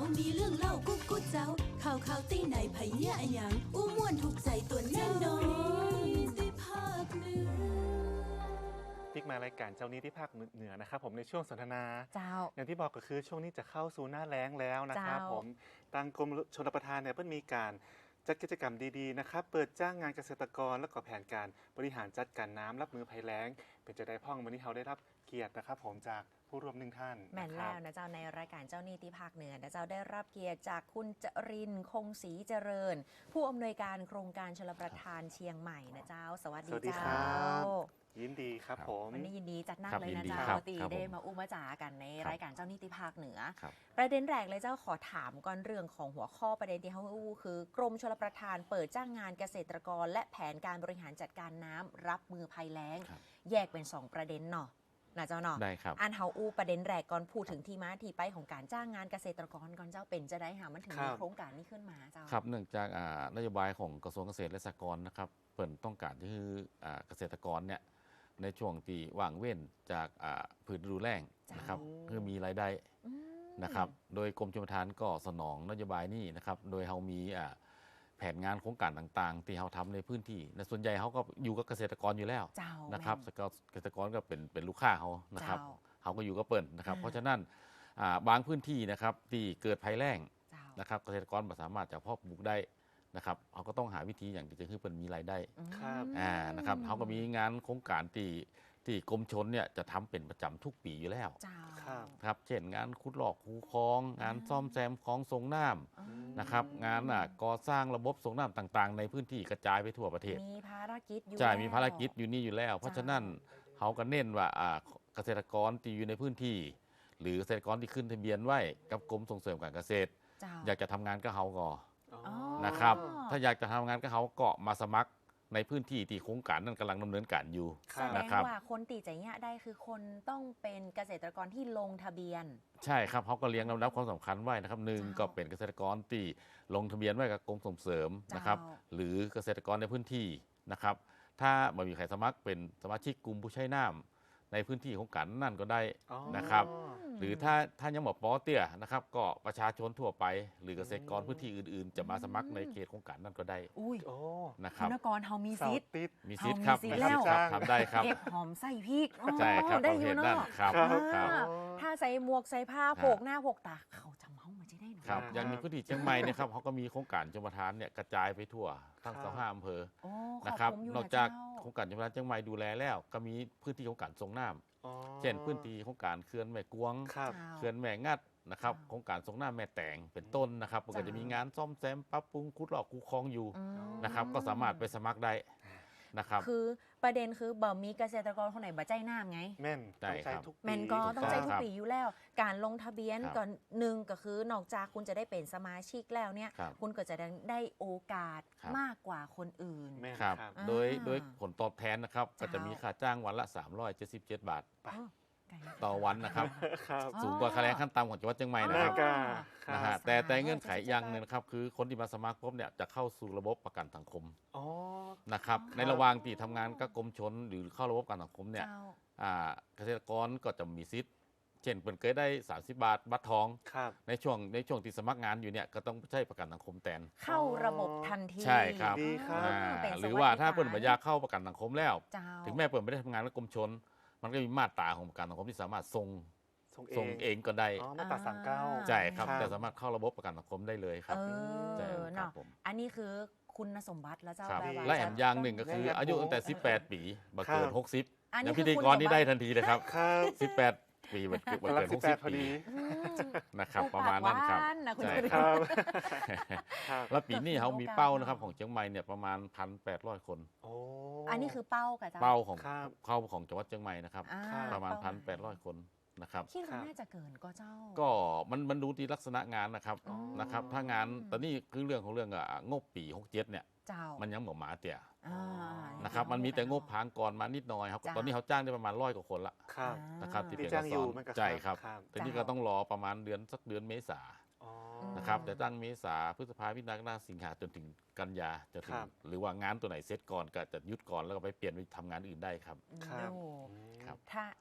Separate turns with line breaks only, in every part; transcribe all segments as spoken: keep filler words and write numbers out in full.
มีเรื่องเล่ากุ๊กกุ๊กเจ้าข่าวข่าวตีไหนไผเหี้ยอะหยังอู้ม่วนถูกใจตัวแน่นอนได้ภาคเหนือ
พิกมารายการเจ้านี้ที่ภาคเหนือนะครับผมในช่วงสนทนา
เจ้า
อย่างที่บอกก็คือช่วงนี้จะเข้าสู่หน้าแล้งแล้วนะครับผมทางกรมชลประทานเนี่ยเพิ่งมีการจัดกิจกรรมดีๆนะครับเปิดจ้างงานเกษตรกรและก็แผนการบริหารจัดการน้ำรับมือภัยแล้งเป็นจะได้พ่องวันนี้เขาได้รับเกียรตินะครับผมจากผู้ร่วมหนึ่งท่าน
แม่นแล้วนะเจ้าในรายการเจ้าหนี้ที่ภาคเหนือนะเจ้าได้รับเกียรติจากคุณจรินทร์คงศรีเจริญผู้อำนวยการโครงการชลประทานเชียงใหม่นะเจ้าสวัสดีเจ้า
ยินดีครับผม
วันนี้ยินดีจัดหนักเลยนะเจ้าตีได้มาอุ้มมาจ๋ากันในรายการเจ้าหนี้ที่ภาคเหนือประเด็นแรกเลยเจ้าขอถามก่อนเรื่องของหัวข้อประเด็นที่เขาอู้คือกรมชลประทานเปิดจ้างงานเกษตรกรและแผนการบริหารจัดการน้ำรับมือภัยแล้งแยกเป็นสองประเด็นเนาะนะเจ้าเนาะ
ได้ครับ
อันเฮาอู้ประเด็นแรกก่อนพูดถึงที่มาที่ไปของการจ้างงานเกษตรกรก่อนเจ้าเป็นจะได้หามันถึงมีโครงการนี้ขึ้นมาเจ้า
ครับเนื่องจากนโยบายของกระทรวงเกษตรและสหกรณ์นะครับเปิดต้องการที่คือเกษตรกรเนี่ยในช่วงที่ว่างเว้นจากพืชฤดูแล้งนะครับเพื่อมีรายได้นะครับโดยกรมชลประทานก็สนองนโยบายนี้นะครับโดยเรามีแผนงานโครงการต่างๆที่เราทำในพื้นที่และส่วนใหญ่เขาก็อยู่กับเกษตรกรอยู่แล้วนะครับเกษตรกรก็เป็นเป็นลูกค้าเขานะครับเขาก็อยู่กับเปิ่นนะครับเพราะฉะนั้นบางพื้นที่นะครับที่เกิดภัยแล้งนะครับเกษตรกรไม่สามารถจะเพาะปลูกได้นะครับเขาก็ต้องหาวิธีอย่างที่จะให้เปิ่นมีรายได้อ่านะครับเขาก็มีงานโครงการที่ที่กรมชลเนี่ยจะทำเป็นประจำทุกปีอยู่แล้วครับเช่นงานขุดลอกคูคลองงานซ่อมแซมคลองส่งน้ำนะครับงานก่อสร้างระบบส่งน้ำต่างๆในพื้นที่กระจายไปทั่วประเทศ
มีภารกิจอยู่
ใช่มีภารกิจอยู่นี่อยู่แล้วเพราะฉะนั้นเขาก็เน้นว่าเกษตรกรที่อยู่ในพื้นที่หรือเกษตรกรที่ขึ้นทะเบียนไว้กับกรมส่งเสริมการเกษตรอยากจะทำงานก็เขาก่อนะครับถ้าอยากจะทำงานก็เขาก็มาสมัครในพื้นที่ที่โครงการนั้นกำลังดำเนินการอยู่
นะครับแสดงว่าคนตีใจเงี้ยได้คือคนต้องเป็นเกษตรกรที่ลงทะเบียน
ใช่ครับเขาก็เลี้ยงลำดับความสำคัญไว้นะครับหนึ่งก็เป็นเกษตรกรที่ลงทะเบียนไว้กับกรมส่งเสริมนะครับหรือเกษตรกรในพื้นที่นะครับถ้าไม่มีใครสมัครเป็นสมาชิกกลุ่มผู้ใช้น้ำในพื้นที่ของการนั่นก็ได้นะครับหรือถ้าท่านยังบอกปอเตี้ยนะครับก็ประชาชนทั่วไปหรือเกษตรกรพื้นที่อื่นๆจะมาสมัครในเขตโครงการนั่นก็ได้
อุ้ย
นะครับ
คุณกรเฮามีสิทธิ์
มีสิทธิ์ครับมีสิทธิ์ครับทำได้ครับ
เก็บหอมใส่พริก
ใช่ครับได้อยู่เนาะครับ
ถ้าใส่หมวกใส่ผ้าโผกหน้าโผกตาเขาจำเฮามาจะได้หนู
ครับอย่างในพื้นที่เชียงใหม่เนี่ยครับเขาก็มีโครงการชลประทานเนี่ยกระจายไปทั่วทั้งสองห้าอำเภอนะครับนอกจากโครงการชลประทานเชียงใหม่ดูแลแล้วก็มีพื้นที่โครงการส่งน้ำเช่นพื้นที่โครงการเขื่อนแม่กวงเขื่อนแม่งัดนะครับโครงการส่งน้ำแม่แตงเป็นต้นนะครับก็จะมีงานซ่อมแซมปรับปรุงขุดลอกคูคลองอยู่นะครับก็สามารถไปสมัครได้นะครับ
คือประเด็นคือบ่มีเกษตรกรคนไหนบ่ใจน้ำไง
แม่นต้องใช้ทุกปี
แม่นก็ต้องใช้ทุกปีอยู่แล้วการลงทะเบียนก่อนหนึ่งก็คือนอกจากคุณจะได้เป็นสมาชิกแล้วเนี่ยคุณก็จะได้โอกาสมากกว่าคนอื่น
ครับโดยโดยผลตอบแทนนะครับก็จะมีค่าจ้างวันละสามร้อยเจ็ดสิบเจ็ดบาทต่อวันนะครับสูงกว่าค่าแรงขั้นต่ำของจังหวัดเชียงใหม่นะครับนะฮะแต่แต่เงื่อนไขอย่างหนึ่งนะครับคือคนที่มาสมัครปุ๊บเนี่ยจะเข้าสู่ระบบประกันสังคมนะครับในระหว่างที่ทำงานกับกรมชลหรือเข้าระบบประกันสังคมเนี่ยเกษตรกรก็จะมีสิทธิ์เช่นเปิดเคยได้สามสิบบาทบัตรทองในช่วงในช่วงที่สมัครงานอยู่เนี่ยก็ต้องใช้ประกันสังคมแทน
เข้าระบบทันที
ใช่ครับหรือว่าถ้าเปิดปัญญาเข้าประกันสังคมแล้วถึงแม้เปิดไม่ได้ทำงานกับกรมชลมันก็มีมาตราของประกันสังคมที่สามารถส่งส่งเองก็ได้
มาตราสามเก้า
ใช่ครับแต่สามารถเข้าระบบประกันสังคมได้เลยครับ
ใช่ครับผมอันนี้คือคุณสมบัติแล้วเจ้า
และแอมอย่างหนึ่งก็คืออายุตั้งแต่สิบแปดปีบัเกินหกสิบอย่างพิธีกรนี่ได้ทันทีเลยครับสิบแปดปีบัเกินหกสิบปีนะครับประมาณนั้นครับใช่ครับแล้วปีนี้เขามีเป้านะครับของเชียงใหม่เนี่ยประมาณ หนึ่งพันแปดร้อย คน
อันนี้คือเป้ากับเจ้า
เป้าของเข้าของจังหวัดเชียงใหม่นะครับประมาณ หนึ่งพันแปดร้อย คนนะครับ
คิดว่าน่าจะเกินก็เจ้า
ก็มันมันดูที่ลักษณะงานนะครับนะครับถ้างานตอนนี้คือเรื่องของเรื่องงบปีหกสิบเจ็ดเนี่ยมันยังเหมือนหมาเตี่ยนะครับมันมีแต่งบพางก่อนมานิดหน่อยครับตอนนี้เขาจ้างได้ประมาณร้อยกว่าคนละนะครับที่เป็น
จ้างอยู่
ใช่ครับแต่นี่ก็ต้องรอประมาณเดือนสักเดือนเมษานะครับแต่ตั้งเมษาพฤษภาคมมิถุนายนสิงหาจนถึงกันยาจะถึงหรือว่างานตัวไหนเสร็จก่อนก็จะยุดก่อนแล้วก็ไปเปลี่ยนไปทำงานอื่นได้ครับ
ถ้า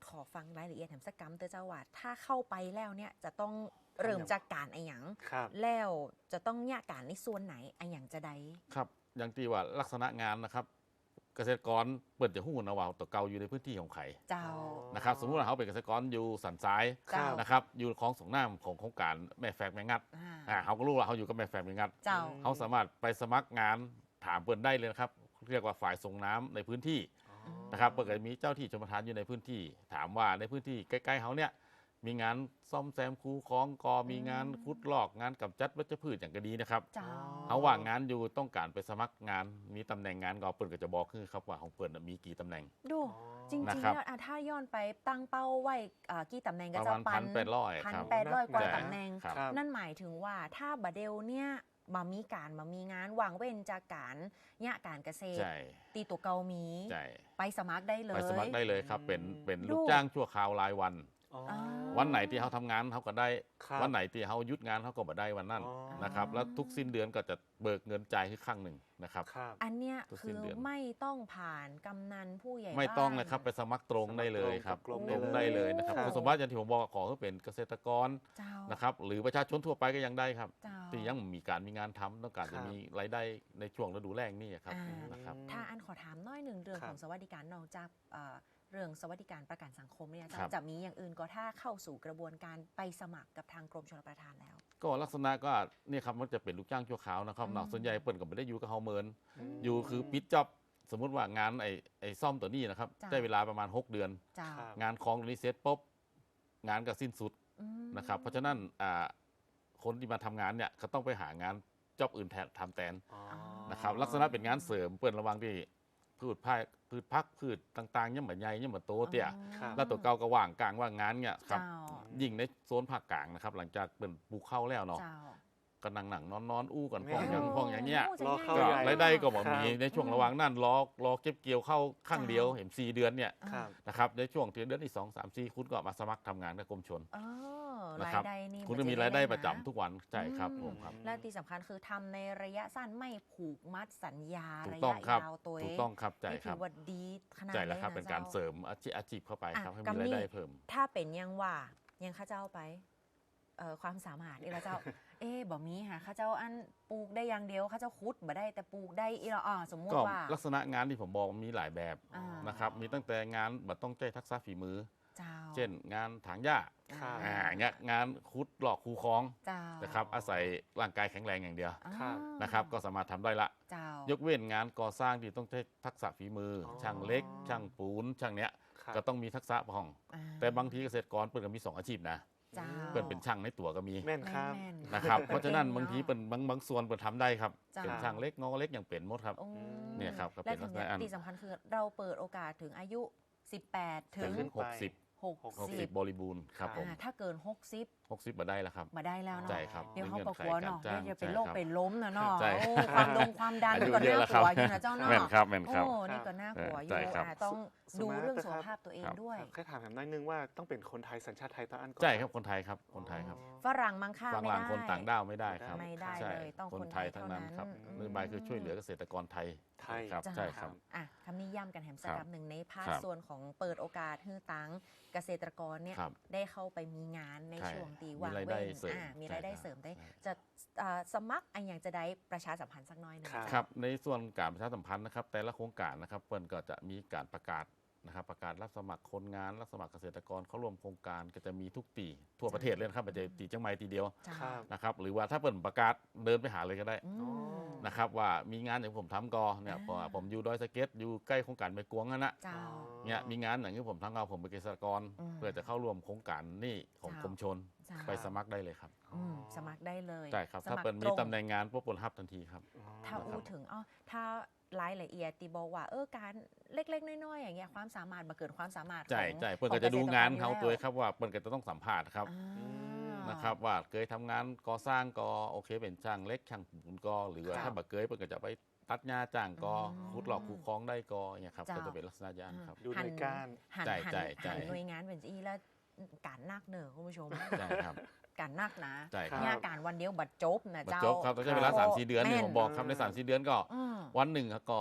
ขอฟังรายละเอียดแถมสักกำเตอเจ้าว่าถ้าเข้าไปแล้วเนี่ยจะต้องเริ่มจากการไอหยัง
ครับ
แล้วจะต้องแยกการในส่วนไหนไอหยังจะได้
ครับอย่างที่ว่าลักษณะงานนะครับ เกษตรกรเปิดจะหู้นะว่าตัวเก่าอยู่ในพื้นที่ของไข่
เจ้า
นะครับสมมุติว่าเขาเป็นเกษตรกรอยู่สันทราย
เจ้า
นะครับอยู่คลองส่งน้ำของโครงการแม่แฝกแม่งัด
อ่า
อ่าเขาก็รู้ว่าเขาอยู่กับแม่แฝกแม่งัด
เจ้า
เขาสามารถไปสมัครงานถามเปิดได้เลยนะครับเรียกว่าฝ่ายส่งน้ำในพื้นที่นะครับเปิดมีเจ้าที่ชมประทานอยู่ในพื้นที่ ถามว่าในพื้นที่ใกล้ๆเขาเนี่ยมีงานซ่อมแซมคูคลองกอมีงานขุดลอกงานกำจัดวัชพืชอย่างก็ดีนะครับ
เจ้า
เขาว่างงานอยู่ต้องการไปสมัครงานมีตำแหน่งงานก็เปิดก็จะบอกคือครับว่าของเปิดมีกี่ตำแหน่ง
ดูจริงๆ
นะครับ
แล้วอ่ะถ้าย้อนไปตั้งเป้าไว้อ่ากี่ตำแหน่ง
ป
ก็
ระ
จะ
มาณ
ปั
พั
น
นแปดร้อย
พัน
ครับ
แปดร้อยกว่า
ใช่
ตำแหน่ง
ครับ
ครับ
นั่นหมายถึงว่าถ้าบาเดลเนี่ยมามีการมามีงานวางเว้นจากการเนี่ยการเกษตร
ใช่
ตีตัวเกามี
ใช่
ไปสมัครได้เลย
ไปสมัครได้เลยครับ เป็น
อืม
เป็น
ดู
ลูกจ้างชั่วคราวรายวัน
อ๋อ
อ่า
วันไหนที่เขาทำงานเขาก็ได้
ครับ
วันไหนที่เขาหยุดงานเขาก็บ่ได้วันนั้น
อ๋อ
นะครับแล้วทุกสิ้นเดือนก็จะเบิกเงินจ่ายให้ครั้งหนึ่งนะครับ
ครับ
อันเนี้ย
ทุกสิ้
คื
น
อ
เดือน
ไม่ต้องผ่านกำนันผู้ใหญ่
ไม่ต้อง
บ้าน
เลยครับไปสมัครตรงได้เลยครับ
สมัครตรง
ตรง
กับกรม
ได้
ได้
เล
เลย ย
นะครับ
ครับ
คุณสมบัติอย่างที่ผมบอกขอให้เป็นเกษตรกร
เจ้า
นะครับหรือประชาชนทั่วไปก็ยังได้ครับ
เจ้า
ที่ยังมีการมีงานทำต้องการ
ครั
จะ
บ
มีรายได้ในช่วงฤดูแล้งนี่ครับ
อ่า
นะครับ
ถ้าอันขอถามน้อยหนึ่งเรื่อง
ครับ
ของสวัสดิการนอกจากเอ่อเรื่องสวัสดิการประกันสังคมเนี่ย
ครับ
จะมีอย่างอื่นก็ถ้าเข้าสู่กระบวนการไปสมัครกับทางกรมชลประทานแล้ว
ก็ลักษณะก็เนี่ยครับมันจะเป็นลูกจ้างชั่วคราวนะครับ
อืม
เนาะส่วนใหญ่เปิดก็ไม่ได้อยู่กับเฮาเมิน
อืม
อยู่คือปิดจ็อบสมมุติว่างานไอ้ไอ้ซ่อมตัวนี้นะครับ
จ้ะ
ได้เวลาประมาณ หก เดือน
เจ้า
ครับ
งานของตัวนี้เสร็จปุ๊บงานก็สิ้นสุด
อืม
นะครับ เพราะฉะนั้นอ่าคนที่มาทำงานเนี่ยก็ต้องไปหางานจ็อบอื่นแทนทำแทน
อ๋อ
นะครับลักษณะเป็นงานเสริมเปิดระหวังที่พืชพักพืชพักพืชต่างๆเนี่ยเหมือนใหญ่เนี่ยเหมือนโตเตี้ย
ครับ
แล้วตัวเก่าก็ว่างกลางว่างงานเนี่ยครับ
เจ้า
ยิ่งในโซนภาคกลางนะครับหลังจากเป็นปลูกข้าวแล้วเนาะ
เจ้า
ก็นั่งหนังนอนนอนอู้ก่อน
แม่
พ่องอย่างพ่องอย่างเงี้ย
โจะ
รอเข้า
ก็
ใหญ่
รายได้ก็บ่
ครับ
มีในช่วงระหว่างนั้นรอรอเก็บเกี่ยวเข้าข้างเดียวเห็นสี่เดือนเนี่ย
ครับ
นะครับในช่วงเดือนที่สองสามสี่คุณก็มาสมัครทำงานกับกรมชล
อ๋อ
นะ
รา
ครั
ย
บ
ได้นี่
คุณจะมีรายได้ประจำทุกวันใช่ครับผมครับ
และที่สำคัญคือทำในระยะสั้นไม่ผูกมัดสัญญา
ถูก
ระ
ต้อง
ยะ
ครับ
ยาวตัวเอ
ถูก
ง
ต้องครับใช่
นี่
ค
ถื
รับ
อว่าดีขนาด
ใช่
เล
แล้ว
ย
ครับ
นะ
เป็นการ
จ้
เสริมอาชีพอาชีพเข้าไปครับ
อ่ะ
ให้มี
กำ
ราย
นี่
ได้เพิ่ม
ถ้าเป็นยังว่ายังข้าเจ้าไปเอ่อความสามารถอีละเจ้า เอ๊ะบ่มีค่ะข้าเจ้าอันปลูกได้อย่างเดียวข้าเจ้าคุดบ่ได้แต่ปลูกได้อีละอ่อสมมุติ
ก็
ว่า
ลักษณะงานที่ผมบอกมีหลายแบบ
อ่าน
นะครับมีตั้งแต่งานแบบต้องใช้ทักษะฝีมือ
เจ้า
เช่น งานถางหญ้า
ครับ
อ่าเงี้ยงานขุดหลอกคูคลอง
เจ้า
นะครับอาศัยร่างกายแข็งแรงอย่างเดียว
อ่า
ครับ
นะครับก็สามารถทำได้ละ
เจ้าย
กเว้นงานก่อสร้างที่ต้องใช้ทักษะฝีมืออ
อ
ช่างเล็ก ช่างปูนช่างเนี้ย
ครับ
ก็ต้องมีทักษะพอง
อ่
แต่บางทีเกษตรกรเปิดก็มีสองอาชีพนะ
เจ้า
เปิดเป็นช่างในตัวก็มี
แม่นครับ
แม่นๆ
นะครับเพราะฉะนั้น
เก่งเนอะ
บางทีเป็นบางบางส่วนเปิดทำได้ครับ
จ้ะ
เป็นช่างเล็กงอเล็กอย่างเป็นหมดครับ
โอ้
เนี่ยครับก็เป็
และ
น
ถึง
ลักษณะอัน
ที่สำคัญคือเราเปิดโอกาสถึงอายุ สิบแปด ถึ
ถึ
ง
งหกสิบ
หก
หก
สิ
สิ
บ
บบริบูรณ์ครับผม
อ่าถ้าเกิน หกสิบ
หกสิบมาได้แล้วครับ
มาได้แล้วเนาะ
ใช่ครับ
เดี๋ยวเขา
มี
ประ
งื่
กวด
ไข
เนาะ
จ้ง
เดี๋ยวจะเป็น
ใช่
โรค
ครับ
เป็นล้มนะเนาะ
ใช่
โอ้ความดงความดัน
อายุ
ก็
เยอะ
น่า
แล้ว
ก
ครั
ลั
บ
วอยู่นะเจ้าเนาะ
แม่นครับแม่นครับ
โอ้นี่ก็น่ากลัวอยู่
ใช่ครับ
อ่ะต้อง
ส
ดู
มาร์ท
เรื่อง
นะ
สุ
ค
ข
รับ
ภาพตัวเอง
ครับ
ด้วย
แค่ถามถามน้อยนึงว่าต้องเป็นคนไทยสัญชาติไทยตาอันก่อน
ใช่ครับคนไทยครับคนไทยครับ
ฝรั่งมังค่า
ฝ
ไม่
รั่ง
ได้
คนต่างด้าวไม่ได้ครับ
ไม่ได้
ใช่
เลยต้อง
คน
คน
ไทยทั้งนั้นครับ
เท่านั้น
นโยบายคือช่วยเหลือเกษตรกรไทย
ไทย
ครับ
จ้ะ
ใช่ครับ
อ่ะคำนี้ย้ำกันแหมสัก
ครับ
คำหนึ่งในภาค
ครับ
ส่วนของเปิดโอกาสให้ตังเกษตรกรเนี่ย
ครับ
ได้เข้าไปมีงานใน
ใช่
ช่วงตี
มี
ว่าง
รายได้
เว้น
เสริม
อ่ะมี
ใช่
รายได้
ครับ
เสริมได้
ใช่
จะอ่าสมัครอันอย่างจะได้ประชาสัมพันธ์สักหน้อยหนึง
ครับ
ครับในส่วนการประชาสัมพันธ์นะครับแต่ละโครงการนะครับเปิ้นก็จะมีการประกาศนะครับประกาศรับสมัครคนงานรับสมัครเกษตรกรเข้าร่วมโครงการก็จะมีทุกตีทั่วประเทศเลยนะครับไม่ใช่ตีจังไม่ตีเดียว
จ้า
ครับ
นะครับหรือว่าถ้าเปิดประกาศเดินไปหาเลยก็ได้
อืม
นะครับว่ามีงานอย่างผมทำกอเนี่ย
อ่า
เพราะว่าผมอยู่ดอยสะเก็ดอยู่ใกล้โครงการไม่กวงนั่นนะ
เจ้า
เนี่ยมีงานอย่างที่ผมทำเอาผมเป็นเกษตรกร
อืม
เพื่อจะเข้าร่วมโครงการนี่ของ
เจ้า
กรมชน
เจ้า
ไปสมัครได้เลยครับ
อืมสมัครได้เลย
ใช่ครับ
ส
ถ้า
มัคร
เป็นมี
รง
ตำแหน่งงานพวกปนฮับทันทีครับ
อ๋อ
ถ้าอู้ถึงอ๋อถ้ารายละเอียดตีบอกว่าเออการเล็กๆ น้อยๆอย่างเงี้ยความสามารถมาเกิดความสามารถ
ใช่
ของ
ใช่เปิ้ล
ขอ
ก็จะดูงานเขา
กษตรกร
ตัว
อยู่
ครับว่าเปิ้ลก็จะต้องสัมภาษณ์ครับ
อ่า
นะครับว่าเคยทำงานก่อสร้างก็โอเคเป็นช่างเล็กช่างปูนก็หรือว่า
ครับ
ถ้าบักเกยเปิ้ลก็จะไปตัดหญ้าจ้างก็
อืม
ขุดหลอกคูคล้องได้ก็เนี่ยครับ
เจ้า
ก็จะเป็นลักษณะยานครับ
ดูหน่วยก้าน
หัน
ใช่
หัน
ใช่ใช่
หันหน่วยงานเป็นอีแล้วการนักเนอะคุณผู้ชม
ใช่ครับ
การนักนะ
ใช่ครับ
เนี่ยการวันเดียวบัดจบนะ
บัด
เจ้า
จบครับต้องใช้เวลา
ครับ
สามสี่เดือนนี่
แม่น
ผมบอกครับในสามสี่เดือนก็
อืม
วันหนึ่งก็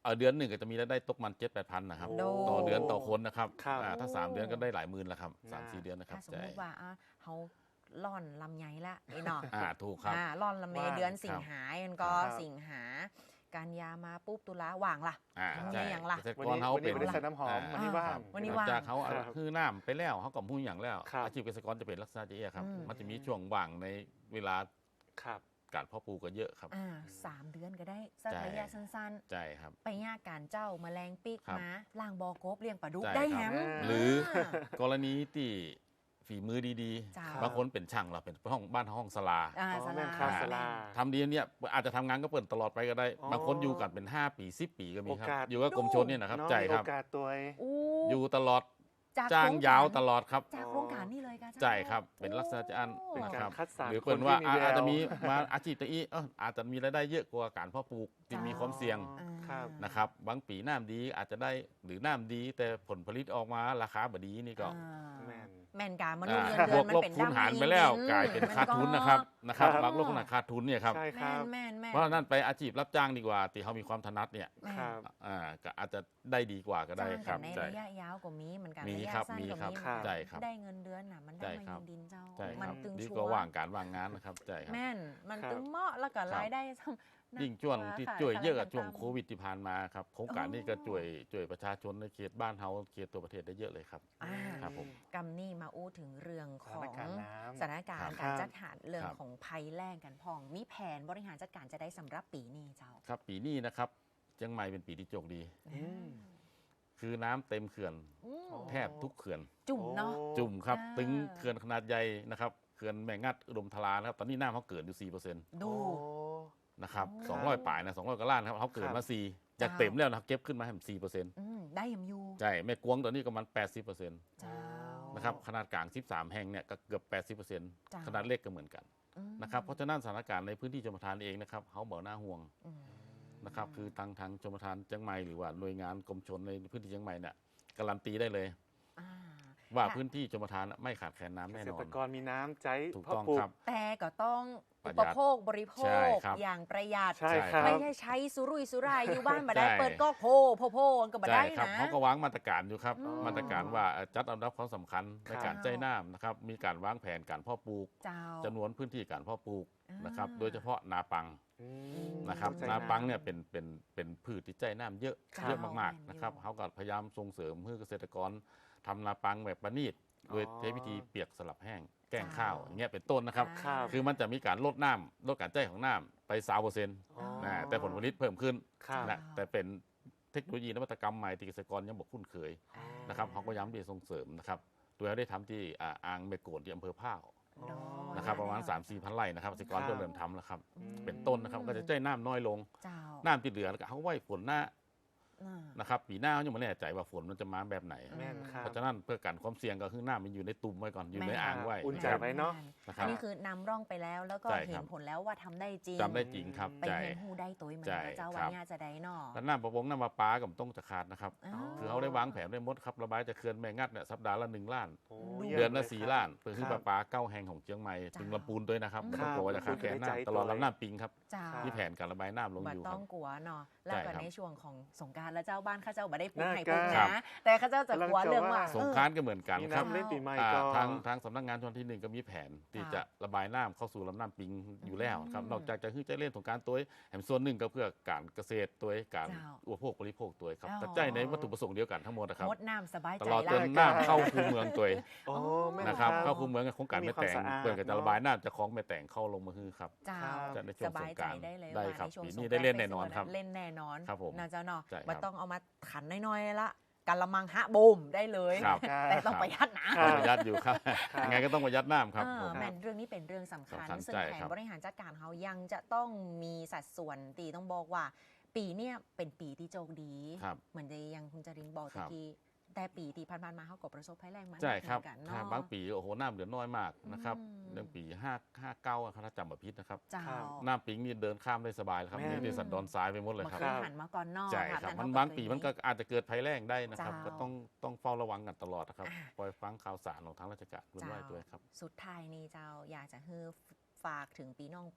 เออเดือนหนึ่งก็จะมีรายได้ตกมันเจ็ดแปดพันนะครับ
โด
ต่อเดือนต่อคนนะครับ
ครับ
อ่าถ้าสามเดือนก็ได้หลายหมื่นแล้วครับสาม
น่า
สี่เดือนนะครับ
ถ้าสม
ใช่
มติว่าอ่ะเขาล่อนลำไยละไอ้หนอ
อ่าถูกครับ
อ่าล่อนลำไย
ว่าง
เดือนสิงหาเอ็นก็
ครับ
สิงหากันยามาปุ๊บตุลาว่างล่ะ
อ่า
ทำไง
ใช่
อย่างล่ะ
เกษตร
วัน
กร
นี้
เขา
วัน
เป็
นี้
น
ไม่ได้ใส่น้ำหอม
อ่า
วันนี้ว่าง
วันนี้
หลังจากเขา
ครับ
คือน้ำไปแล้วเขากับผู้อย่างแล้ว
ครับ
อาชีพเกษตรกรจะเป็นลักษณะจะเอี้ยครับ
อืม
มันจะมีช่วงว่างในเวลา
ครับ
การเพาะปลูกก็เยอะครับ
อ่าสามเดือนก็ได้สัก
ใช่
ระยะสั้น
ใช่ครับ
ๆ ไปย่าการเจ้าแมลงปีก
ครับ
มาล่างบอกบเลี้ยงปลาดุก
ใช่
ได้
ค
แฮ
รับ
ม
อ่า
หรือ
า
กรณีที่ฝีมือดี
จ้า
ๆ บางคนเป็นช่างเราเป็นห้องบ้านห้องสลา
อ่า
อ๋อ
ส
แม่
ลาน
ครับ
แม่น
สลา
ทำดีเนี่ยอาจจะทำงานก็เปิดตลอดไปก็ได้
อ๋อ
บางคนอยู่กันเป็นห้าปีสิบปีก็มีครับ
โอกาส
อยู่กับกรมชนเนี่ยนะครับ
เนาะ
ใช่
มี
ค
โอ
รับ
กาสตัวเอง
อู้
อยู่ตลอด
จาก
จ้าง
โคร
ยาว
กร
ตลอดครับ
จากโครงการนี่เลยกาเจ้า
ใช่ครับเป็นลักษณะจะอัน
โ
เป็น
นะ
กา
ค
ร
รับ
คัดสรร
หรือ
ค
เปิ
น
ด
ที่
ว่า
มีแวว
อาจจะมีมาอาชีพตะอี้เอออาจจะมีรายได้เยอะกว่าการเพาะปลูกที่มีความเสี่ยง
อ๋อครับ
นะครับบางปีน้ำดีอาจจะได้หรือน้ำดีแต่ผลผลิตออกมาราคาบดีนี่ก็
อ่า
แม่น
แม่นการมนุษย์
อ่า
เงินเดื
บ
อ
วน ก
มัน
ลบ
เป็น
คูณหาร
ดำ
ไปแล้ว
ดิน
กลายเป็น
มั
ขาดทุนนะครับนะครับ
ครับ
บางโลกขนาดขาดทุนเนี่ยครับ
ใช่ค
แม่
รับ
นแม่นแม่น
เพราะฉะนั้นไปอาชีพรับจ้างดีกว่าที่เขามีความถนัดเนี่ย
แม่น
ครับ
อ่าก็อาจจะได้ดีกว่าก็ได้
จ้าง
ครั
กับ นใน
ใช่
ระยะยาวก็มีเหมือนกัน
มี
ระยะ
ครับ
สั้น
มี
ก็
ครับ
มีเหมือนกัน
ใช่ครับ
ได้เงินเดือนน่ะมันได้
ใช่
มา
ครับ
เงินดินเจ้า
ใช่ค
มั
รับ
ตึง
ดี
ชั
กว่าว ว่าง
ร์
การว่างงานนะครับใช่ครับ
แม่นมัน
ครับ
ตึงเหมาะแล้วก็
ครับ
รายได้ซ้ำ
ยิ่งช่วงที่
ค่ะ
ช่วยเยอะกับ
ค่ะ
ช่วง
ต่างๆ
โควิดที่ผ่านมาครับโครงการนี้ก็ช่วยช่วยประชาชนในเขตบ้านเฮาเขตตัวประเทศได้เยอะเลยครับ
อ่า
ครับผม
กำนี่มาอู้ถึงเรื่องของ
สถานการณ์น้ำ
สถานการณ์
ครั
การ
บ
จัดหาเรื่อง
ครับ
ของภัยแล้งกันพอง มีแผนบริหารจัดการจะได้สำหรับปีนี้เจ้า
ครับปีนี้นะครับเชียงใหม่เป็นปีที่โชคดี
อืม
คือน้ำเต็มเขื่อน
อืม
อ๋อ
แทบทุกเขื่อน
จุ่มเนาะ
โอ้
จุ่มครับ
อ่า
ตึงเขื่อนขนาดใหญ่นะครับเขื่อนแม่งัดอุดมทรานะครับตอนนี้น้ำเขาเกิดอยู่สี่เปอร์เซ็นต์
ดู
โอ้
นะครับ
โอ้
สองร้อยป่ายนะสองร้อยกว่าล้านครับเขาเกิด
ครั
มา
บ
สี่จาก
เจ้า
เต็มแล้วนะครับเก็บขึ้นมาให้สี่เปอร์เซ็นต์
อืมได้ยำยู
ใช่แม่กวงตอนนี้ก็มันแปดสิบเปอร์เซ็นต์
เจ้า
นะครับขนาดกลางสิบสามแห่งเนี่ยก็เกือบแปดสิบเปอร์เซ็นต์
จ้า
ขนาดเล็กก็เหมือนกัน
อืม
นะครับเพราะฉะนั้นสถานการณ์ในพื้นที่ชมประทานเองนะครับเขาบอกน่าห่วง
อืม
นะครับคือทางทางชมประทานเชียงใหม่หรือว่าหน่วยงานกรมชนในพื้นที่เชียงใหม่เนี่ยการันตีได้เลย
อ่า
ว่า
ค่ะ
พื้นที่ชมประทานไม่ขาดแคลนน้ำ
เก
แน่
ษ
นอ
ต
น
รกรมีน้ำใจ
ถูก
เพาะ
ต้อง
ปลูก
ครับ
แต่ก็ต้อง
ประ
อุ
หยั
ป
ด
โภคบริโภ
ใช่
ค
ครับ
อย่างประหยัด
ใช่ครับ
ไม่ใช่ใช้สุรุ่ยสุร่ายอยู่บ้านมาได้
ใช่
เปิดก็โพโพโพก็มา
ใช่
ได้
ครับ
นะ
เขาก็วางมาตรการอยู่ครับ
อืม
มาตรการว่าเอ่อจัดอันดับความสำคัญใน
ครับ
การใช้น้ำนะครับมีการวางแผนการเพาะปลูก
เจ้า
จำนวนพื้นที่การเพาะปลูกนะครับ
อ่า
โดยเฉพาะนาปัง
อืม
นะครับ
ใจ
นาปังเนี่ยเป็นเป็นเป็นพืชที่ใจน้ำเยอะ
ครับ
เยอะมาก
แม่นอยู่
ๆนะครับเขาก็พยายามส่งเสริมให้เกษตรกรทำนาปังแบบประณีตโดยใช้วิธีเปียกสลับแห้งแกล้งข้าวอย่างเงี้ยเป็นต้นนะครับ
ครับ
คือมันจะมีการลดน้ำลดการใจของน้ำไปสามเปอร์เซ็นต์
อ๋อ
นะแต่ผลผลิตเพิ่มขึ้น
ครับ
นะแต่เป็นเทคโนโลยีนวัตกรรมใหม่ที่เกษตรกรยังบอกคุ้นเคยนะครับเขาก็ย้ำที่จะส่งเสริมนะครับโดยได้ทำที่อ่าอ่างเมโกนที่อำเภอพร้าว
อ๋อ
นะครับประมาณ สามสี่พันไร่นะครับเกษตรกร
ครับ
เริ่มเริ่มทำแล้วครับ
อืม
เป็นต้นนะครับก็จะใจน้ำน้อยลง
เจ้า
น้ำที่เหลือแล้วก็เขาไว้ฝนหน้า
อ่า
นะครับปีหน้าเขายังไม่แน่ใจว่าฝนมันจะมาแบบไหน
แม่นครับ
เพราะฉะนั้นเพื่อกันความเสี่ยงก็คือน้ำมันอยู่ในตุ่มไว้ก่อนอยู่ใน
แม่น
อ่างไว้
อุ่นใจ
นะครับ
ไว้เนาะ
นะค
อั
รั
น
บ
นี้คือนำร่องไปแล้วแล้วก็
ใช่ครับ
เห็นผลแล้วว่าทำได้จริง
จำได้จริงครับ
ไป
ใช่
เห็นหูได้ตัวมัน
ใช่
นะเจ้า
ครั
วัน
บ
นี้จะได้เนอ
แล้วน้ำประปงน้ำประปาก็ต้องจะขาดนะครับ
อ๋อ
คือเขาได้วางแผนได้หมดครับระบายจากเขื่อนแม่งัดเนี่ยสัปดาห์ละหนึ่งล้าน
โอ้
ดู
ยี่ยม
เดือนละ
ย
สี่
ครับ
ล้านเพื่อคือ
ค
ป
รั
ลา
บ
ปาเก้าแห่งของเชียงใหม่
จ้า
ถึงลำปูนด้วยนะครับ
อืม
ไม่ต้องกลัวว่าจะขาดแคลน
ครับ
น้ำตลอดลำน้ำปิงครับ
เจ้า
ที่แผนการระบายน้ำลง
บั
อยู่ค
ต้
รั
อบ งกลัวเนาะแล้วก็
ใช่ครับ
ในช่วงของสงกรารแล้วเจ้าบ้านข้าเจ้าบ่ได้ปลูก
น่า
ไห่ปลูก
ครั
นะ
บ
แต่ข้าเจ้าจะกลัวเรื่องว่า
สงกรารก็เหมือนกัน
มี
ครับ
น้ำเล่นปีใหม่
อ่า
ก็
ทางทางสำนักงานชนที่หนึ่งก็มีแผนที่
ค่ะ
จะระบายน้ำเข้าสู่ลำน้ำปิงอยู่แล้วครับ
อืม
นอกจากจะคือจะเล่นสงกรารตัวแห่งส่วนหนึ่งก็เพื่อการเกษตรตัวการ
เจ้า
อุปโภคบริโภคตัวครับ
อ๋อ
แต่ใจในวัตถุประสงค์เดียวกันทั้งหมดนะครับ
งดน้ำสบาย
ต
ใจ
ลอดจ
ละ
นน้ำเข้าคูเมืองตัว
โอ้แม่
นะครับ
ครับ
เข้าคูเมืองกับโครงการ
มี
แม่
ความ
แต่ง
สะอาด
เพื่อก็จะ
เนอะ
ระบายน้ำจะคล้องแม่แต่งเข้าลงมาฮือครับ
เจ้า
จะในช่ว
ส
ง
บาย
สงก
ใจ
รานต์
ได้เลย
ได้
ว่า
ครับ
ในช่วง
ปี
ส
นี้
งก
ได้
รานต์
เล่นแน่นอนครับ
เล่นแน่นอน
ครับผม
นะเจ้าเนาะ
ใช่ครับ
มันต้องเอามาขันน้อยๆละกันละมังฮะบูมได้เลย
ครับ
แต่ต้องประหยัดนะ
ครับ
ประหยัดอยู่ครับ
ครับ
ยังไงก็ต้องประหยัดน้ำครับ
เออ
ผม
แมนเรื่องนี้เป็นเรื่องสำคัญ
สำคัญ
ซึ่ง
ใช่
แผน
ครับ
บริหารจัดการเขายังจะต้องมีสัดส่วนตีต้องบอกว่า ปีเนี้ยเป็นปีที่โชคดี
ครับ
เหมือนที่ยังคุณจรินบอก
ครั
ตะ
บ
กี้แต่ปีที่ผ่านๆมาเขาก็ประสบภัยแรงมา
ใช่ครับ
เหมือนกัน
ครับ
เนาะ
บางปีโอ้โหน้ำเหลือน้อยมากนะครับ
อืม
เรื่องปีห้าห้าเก้าถ้าจำแบบพิษนะครับ
เจ้า
ครับ
น้ำปิงนี่เดินข้ามได้สบายเลยครับ
แม่น
นี่ในสันดอนทรายไปหมดเลย
เมื่อ
ครับ
คืนหันมาก่อนนอก
ใช่
ค่ะ
ครับ
แต่
มัน
เข
บางปี
เคย
มันก็อาจจะเกิดภัยแรงได้นะครับ
เจ้า
ก็ต้องต้องเฝ้าระวังกันตลอดนะครับ
อ่า
ปล่อยฟังข่าวสารของทางราชการด้วย
เจ้า
ด้วยครับ
สุดท้ายนี่เจ้าอยากจะให้ฝากถึงปีน้อง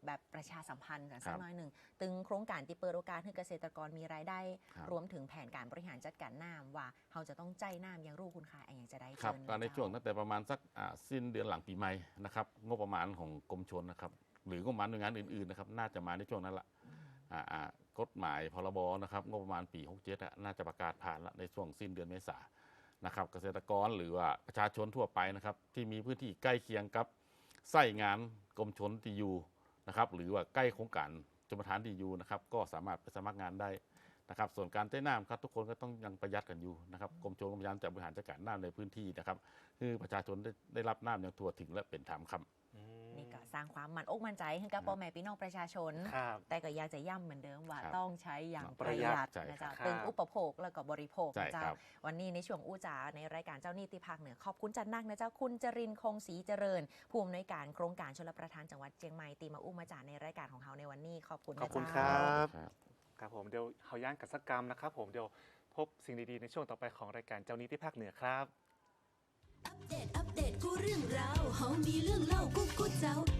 แบบประชาสัมพันธ์กันสักหน่อยหนึ่งตึงโครงการที่เปิดโอกาสให้เกษตรกรมีรายได้รวมถึงแผนการบริหารจัดการน้ำว่าเราจะต้องใจน้ำอย่างรู้คุณค่าอย่างจะได้
ครับ
เชิญ
ก็ในช่วงตั้งแต่ประมาณสักสิ้นเดือนหลังปีใหม่นะครับงบประมาณของกรมชลนะครับหรืองบประมาณหน่วยงานอื่นๆนะครับน่าจะมาในช่วงนั้นละกฎหมายพรบนะครับงบประมาณปีหกเจ็ดน่าจะประกาศผ่านละในช่วงสิ้นเดือนเมษายนนะครับเกษตรกรหรือว่าประชาชนทั่วไปนะครับที่มีพื้นที่ใกล้เคียงกับไส้งานกรมชลที่อยู่นะครับหรือว่าใกล้โครงการชลประทานที่อยู่นะครับก็สามารถไปสมัครงานได้นะครับส่วนการใช้น้ำครับทุกคนก็ต้องยังประหยัดกันอยู่นะครับกรมชลก็พยายามจะบริหารจัดการน้ำในพื้นที่นะครับคือประชาชนได้ได้รับน้ำอย่างทั่วถึงและเป็นธรรมครับ
นี่ก็สร้างความมั่นอกมั่นใจให้กับพ่อแม่พี่น้องประชาชนแต่ก็อยากจะย้ำเหมือนเดิมว่าต้องใช้อย่างประหยัดนะจ๊ะตึงอุปโภคแล้วก็บริโภคนะจ๊ะวันนี้ในช่วงอู้จ๋าในรายการเจ้านิติภาคเหนือขอบคุณจันนักนะเจ้าคุณจรินทร์คงศรีเจริญผู้อำนวยการโครงการชลประทานจังหวัดเชียงใหม่ตีมาอู้มาจ๋าในรายการของเราในวันนี้ขอบคุณนะ
ขอบคุณ
จ๊ะ
ครับครับผมเดี๋ยวเฮาย่างกัสกรรมนะครับผมเดี๋ยวพบสิ่งดีๆในช่วงต่อไปของรายการเจ้านิติภาคเหนือครับ
อัปเดตอัปเดตกูเรื่องราวเฮามีเรื่องเล่ากูกูเจ้า